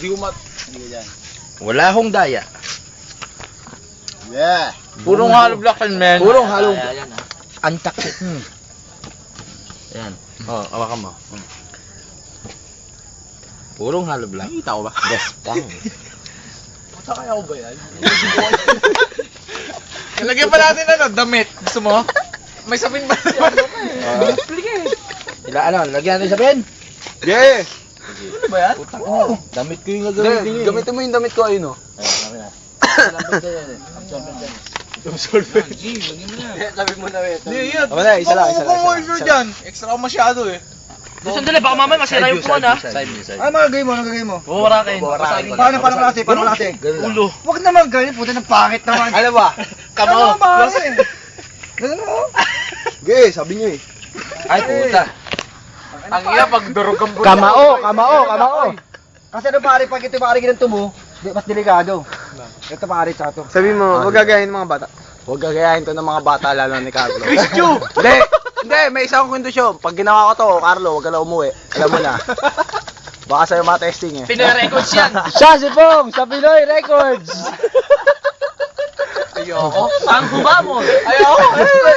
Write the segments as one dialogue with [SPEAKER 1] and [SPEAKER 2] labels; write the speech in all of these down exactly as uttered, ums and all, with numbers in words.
[SPEAKER 1] Hindi ko mat... Hindi ko dyan.
[SPEAKER 2] Wala akong daya.
[SPEAKER 1] Yeah.
[SPEAKER 2] Purong hollow block yan, man. Purong hollow block.
[SPEAKER 3] Ayan, ah.
[SPEAKER 2] Antak. Hmm. Ayan. Oh, awakan mo. Hmm. Purong hollow block.
[SPEAKER 1] Nakita ko ba?
[SPEAKER 2] Gaspang.
[SPEAKER 1] Puta kaya ko ba yan? Nalagyan pa natin ano, damit. Gusto mo? May sapin ba naman?
[SPEAKER 2] Uh, Ila ano, lagyan natin sa pen.
[SPEAKER 1] Yeah! Ano ba yan?
[SPEAKER 2] Putak na. Damit ko yung gagamitin yun.
[SPEAKER 1] Gamitin mo yung damit ko, ayun o. Absorber. G, lagyan mo na. Sabi mo na, wait. Hindi, yan.
[SPEAKER 2] Tama na, isa lang, isa lang.
[SPEAKER 1] Kung moisture dyan, extra ko masyado eh.
[SPEAKER 3] Sandali, baka mamaya masira yung puwan, ha?
[SPEAKER 2] Side view, side
[SPEAKER 4] Ano magagawin mo? Ano magagawin mo?
[SPEAKER 3] Bubarakin.
[SPEAKER 4] Paano, paano klase? Paano klase?
[SPEAKER 3] Ulo.
[SPEAKER 4] Huwag naman ganyan, puta ng pangit naman.
[SPEAKER 2] Ano ba?
[SPEAKER 4] Ano ba pare? Ganun mo?
[SPEAKER 1] Okay, sabi niyo eh.
[SPEAKER 2] Ay, puta.
[SPEAKER 1] Ang ina, pag durog ang buwan.
[SPEAKER 4] Kamao, kamao, kamao. Kasi ano pare, pag ito pare ginanto mo, di- mas delikado. Ito pare, tsaka to.
[SPEAKER 1] Sabi mo, huwag gagayahin ng mga bata. Huwag gagayahin to ng mga bata, lalo ni Carlo. Christian! Hindi! Hindi, may isang kondisyon. Pag ginawa ko to, Carlo, huwag ka na umuwi. Alam mo na. Baka sa'yo ma-testing eh.
[SPEAKER 3] Pinoy Records yan.
[SPEAKER 4] Siya si Pong sa Pinoy Records.
[SPEAKER 1] Ayoko.
[SPEAKER 3] Ang huba mo.
[SPEAKER 1] Ayoko.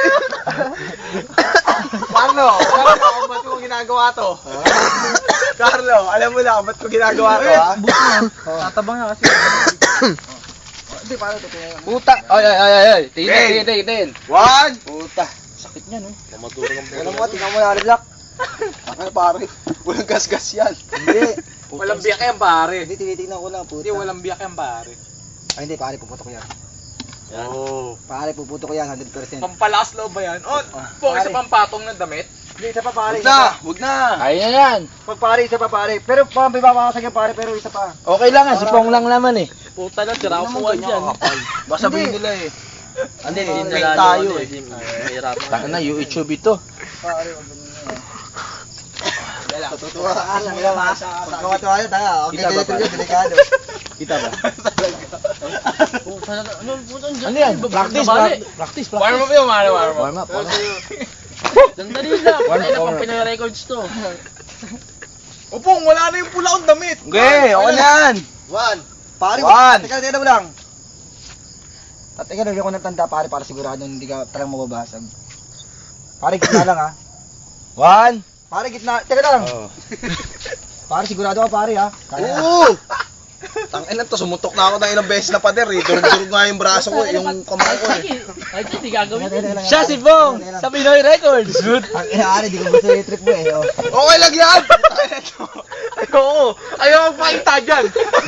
[SPEAKER 1] Carlo, alam mo kung ba't ko ginagawa to? Carlo, alam mo na kung ba't ko ginagawa to, ha?
[SPEAKER 3] Tatabang na kasi.
[SPEAKER 4] Hindi pare, totoo yan.
[SPEAKER 2] Puta. Ay, ay, ay, ay. Tingin,
[SPEAKER 1] Hey.
[SPEAKER 2] tingin, tingin, tingin.
[SPEAKER 1] One!
[SPEAKER 2] Puta. Sakit niya, no? Mamadurang ang
[SPEAKER 4] Alam mo, tingnan mo yung black.
[SPEAKER 1] Ano pare? Walang gas-gas yan.
[SPEAKER 4] Hindi.
[SPEAKER 1] Walang biyak yan, pare.
[SPEAKER 4] Hindi, tinitingnan ko lang, puta.
[SPEAKER 1] Hindi, walang biyak yan, pare.
[SPEAKER 4] Ay, hindi, pare, puputo ko yan.
[SPEAKER 1] Oh.
[SPEAKER 4] Pare, puputo ko yan, one hundred percent.
[SPEAKER 1] Pampalakas loob ba yan? Oh, po, isa pang patong ng damit.
[SPEAKER 4] Hindi, isa pa pare.
[SPEAKER 1] Huwag
[SPEAKER 4] isa
[SPEAKER 1] na!
[SPEAKER 4] pa.
[SPEAKER 1] Huwag na!
[SPEAKER 2] Ayun na yan.
[SPEAKER 4] Pag pare, isa pa pare. Pero pa, may babakasag yan pare, pero isa pa.
[SPEAKER 2] Okay lang nga, si Pong lang naman eh.
[SPEAKER 3] Puta na, sira ko puwan dyan.
[SPEAKER 1] Baka sabihin nila eh.
[SPEAKER 3] Hindi,
[SPEAKER 1] Hindi,
[SPEAKER 3] hindi
[SPEAKER 1] fake
[SPEAKER 3] nalalo.
[SPEAKER 1] tayo
[SPEAKER 3] ano,
[SPEAKER 1] eh.
[SPEAKER 3] hindi, mahirap.
[SPEAKER 2] Taka na, YouTube ito.
[SPEAKER 4] Pare, wag ganun yan. Tutuwa ka lang, ilaw ha. Pag kumatuwa yun, tanga. Okay,
[SPEAKER 2] Kita ba,
[SPEAKER 4] ganito
[SPEAKER 2] pare?
[SPEAKER 4] yun, delikado.
[SPEAKER 2] Kita ba?
[SPEAKER 3] Puta na, ano, puta na.
[SPEAKER 2] Ano yan? Practice,
[SPEAKER 3] Nabali.
[SPEAKER 2] pra- practice,
[SPEAKER 1] Warm
[SPEAKER 2] practice.
[SPEAKER 1] up yun, mara, warm up.
[SPEAKER 2] Warm up, warm up.
[SPEAKER 3] Sandali lang.
[SPEAKER 2] One
[SPEAKER 3] Ay, na
[SPEAKER 2] hour.
[SPEAKER 3] pang Pinoy Records to.
[SPEAKER 1] Opong, wala na yung pula kong damit.
[SPEAKER 2] Okay, okay na yan.
[SPEAKER 4] One. Pare,
[SPEAKER 2] One.
[SPEAKER 4] teka, teka mo lang. At teka, lagyan ko ng tanda pare para sigurado hindi ka talagang mababasag. Pare, gitna lang ha.
[SPEAKER 2] One.
[SPEAKER 4] Pare, gitna. Teka lang.
[SPEAKER 2] Oh.
[SPEAKER 4] Pare, sigurado ka pare ha. Kaya na.
[SPEAKER 1] Oo! Tangin to, sumuntok na ako ng ilang beses na pader eh. Durog-durog nga yung braso ko, yung kamay ko eh.
[SPEAKER 3] Ay, hindi gagawin.
[SPEAKER 4] Teka, teka, teka,
[SPEAKER 2] Siya si Pong sa Pinoy Records.
[SPEAKER 4] Ang inaari, di ko gusto yung trip mo eh. Oh.
[SPEAKER 1] Okay lang yan! Oo! Ayaw magpakita dyan!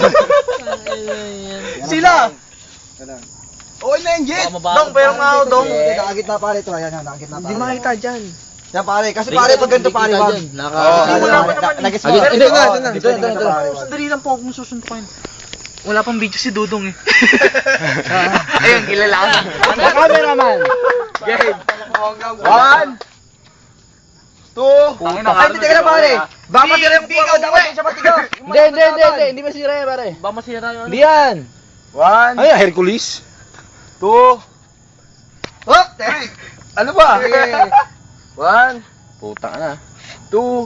[SPEAKER 1] Sila!
[SPEAKER 4] Teka lang.
[SPEAKER 1] Okay na yan, Jet!
[SPEAKER 3] Baka mabasa.
[SPEAKER 1] Dong, pero nga ako, Dong!
[SPEAKER 4] Eh, nakagitna pare ito. Ayan, yan, nakagitna pare.
[SPEAKER 2] Hindi makita dyan.
[SPEAKER 4] Yan pare, kasi pare pag ganito pare, wag.
[SPEAKER 2] Naka...
[SPEAKER 1] Oo,
[SPEAKER 4] Ano,
[SPEAKER 1] wala pa
[SPEAKER 4] na-
[SPEAKER 1] naman.
[SPEAKER 4] nag-gets
[SPEAKER 2] Ah,
[SPEAKER 4] mo?
[SPEAKER 2] dito, dito na,
[SPEAKER 4] Oo,
[SPEAKER 2] dito na,
[SPEAKER 4] dito,
[SPEAKER 2] dito na,
[SPEAKER 4] dito,
[SPEAKER 2] dito na.
[SPEAKER 4] pare, wag.
[SPEAKER 3] Sandali lang po akong susuntukin. Wala pang video si Dudong eh.
[SPEAKER 1] Ayun, kilala ka na.
[SPEAKER 2] Sa cameraman.
[SPEAKER 1] Game! One! Two!
[SPEAKER 4] Ay, hindi ka na pare. Baka matira yung kuha ko, dapat yung siya matiga.
[SPEAKER 2] Hindi, hindi, hindi, hindi. Hindi masira yan, pare.
[SPEAKER 3] Ba masira yung ano?
[SPEAKER 2] Hindi yan.
[SPEAKER 1] One!
[SPEAKER 2] Ay, Hercules.
[SPEAKER 1] Two!
[SPEAKER 4] Hop! Three!
[SPEAKER 2] Ano ba?
[SPEAKER 1] One!
[SPEAKER 2] Puta ka na.
[SPEAKER 1] Two!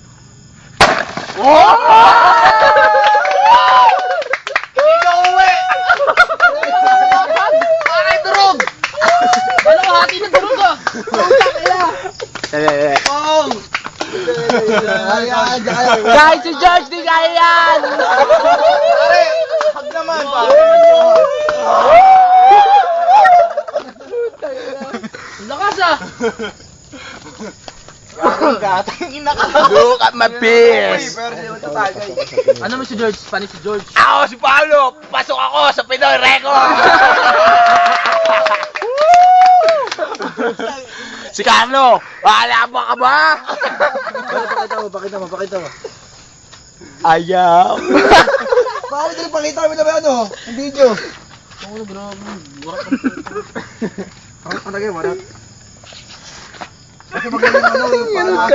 [SPEAKER 1] Hindi ka uwi! Bakit durog?
[SPEAKER 3] Wala ko hati na durog ah.
[SPEAKER 1] Pong!
[SPEAKER 4] Ayan, ayan.
[SPEAKER 2] Kahit si George, di kaya yan.
[SPEAKER 1] Pare! Hag naman, pare!
[SPEAKER 3] Lakas ah.
[SPEAKER 1] Gatang ina ka!
[SPEAKER 2] Look at my
[SPEAKER 1] Uy,
[SPEAKER 2] piss.
[SPEAKER 1] pero di naman ito tagay.
[SPEAKER 3] Ano mo si George? Panis si George.
[SPEAKER 2] Ako si Paolo. Pasok ako sa Pinoy Records. Si Carlo. Wala mo ka ba?
[SPEAKER 4] Pakita mo, pakita mo, pakita mo.
[SPEAKER 2] Ayaw.
[SPEAKER 4] Pare, dali pakita mo na ba ano? Yung video.
[SPEAKER 3] Oo, grabe. Burak
[SPEAKER 4] Ang ang tagay, warat. Kasi magaling ano yung parang...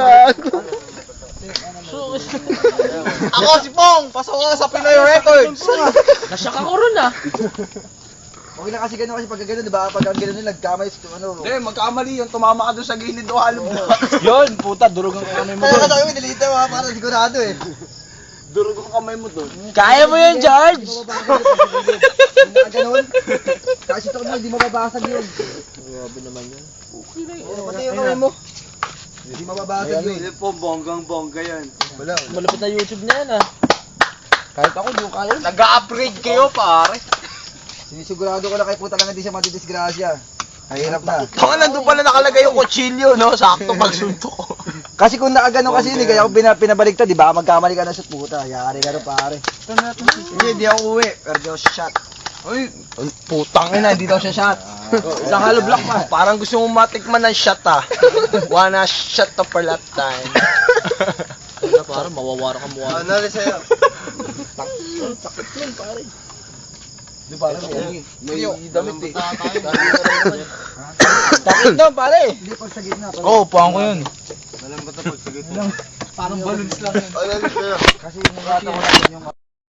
[SPEAKER 3] So,
[SPEAKER 1] Ako si Pong! Pasok ka sa Pinoy Records!
[SPEAKER 3] nasyak ako ron ah.
[SPEAKER 4] Okay na kasi gano'n kasi pag gano'n, di ba? Pag ang gano'n nila, nagkamay sa ano.
[SPEAKER 1] Hindi, magkamali yun. Tumama ka doon sa gilid o halong
[SPEAKER 2] Yun, puta, durugan ko kami mo
[SPEAKER 4] Kaya
[SPEAKER 2] doon.
[SPEAKER 4] kasi kami, nilita mo ha, para sigurado eh.
[SPEAKER 1] Durog ang kamay mo doon.
[SPEAKER 2] Kaya mo yun, George!
[SPEAKER 4] Ganun. Kasi ito mo, hindi mababasag yun.
[SPEAKER 2] Grabe naman yun.
[SPEAKER 1] Okay na
[SPEAKER 4] Oo,
[SPEAKER 1] Pati
[SPEAKER 4] ayun
[SPEAKER 1] yung kamay
[SPEAKER 4] na.
[SPEAKER 1] mo.
[SPEAKER 4] Hindi mababasag yun.
[SPEAKER 1] Hindi po, bonggang-bongga yan. Wala.
[SPEAKER 2] Malapit na YouTube na yan, ah.
[SPEAKER 4] Kahit ako, di ko kaya.
[SPEAKER 1] Nag-upgrade kayo, pare.
[SPEAKER 4] Sinisigurado ko lang kay puta lang hindi siya madidisgrasya. Mahirap na.
[SPEAKER 1] Kung nandun pala nakalagay yung kutsilyo, no? Sakto pagsuntok ko.
[SPEAKER 4] Kasi kung naagano kasi hindi kaya ako pina, pinabaligtad, di ba? Magkamali ka na sa puta. Yari ka na pare. Hindi, hindi ako uwi. Pero di ako shot.
[SPEAKER 1] Uy, putang ina, hindi daw siya shot. Isang hollow block pa. Parang gusto mong matikman ng shot, ah. Wanna shot to per lifetime.
[SPEAKER 2] Ano, parang mawawara ka mukha.
[SPEAKER 1] Ano rin sa'yo?
[SPEAKER 4] Sakit yun pare. Di ba alam mo?
[SPEAKER 1] May damit eh.
[SPEAKER 2] Takit na, pare!
[SPEAKER 4] Hindi pag sa gitna. pag-
[SPEAKER 3] Oo, oh, puwang ko yun.
[SPEAKER 1] Alam ba ito pag sige?
[SPEAKER 3] Parang balloons lang yun.
[SPEAKER 1] Ano rin sa'yo?
[SPEAKER 4] Kasi yung gata ko lang yung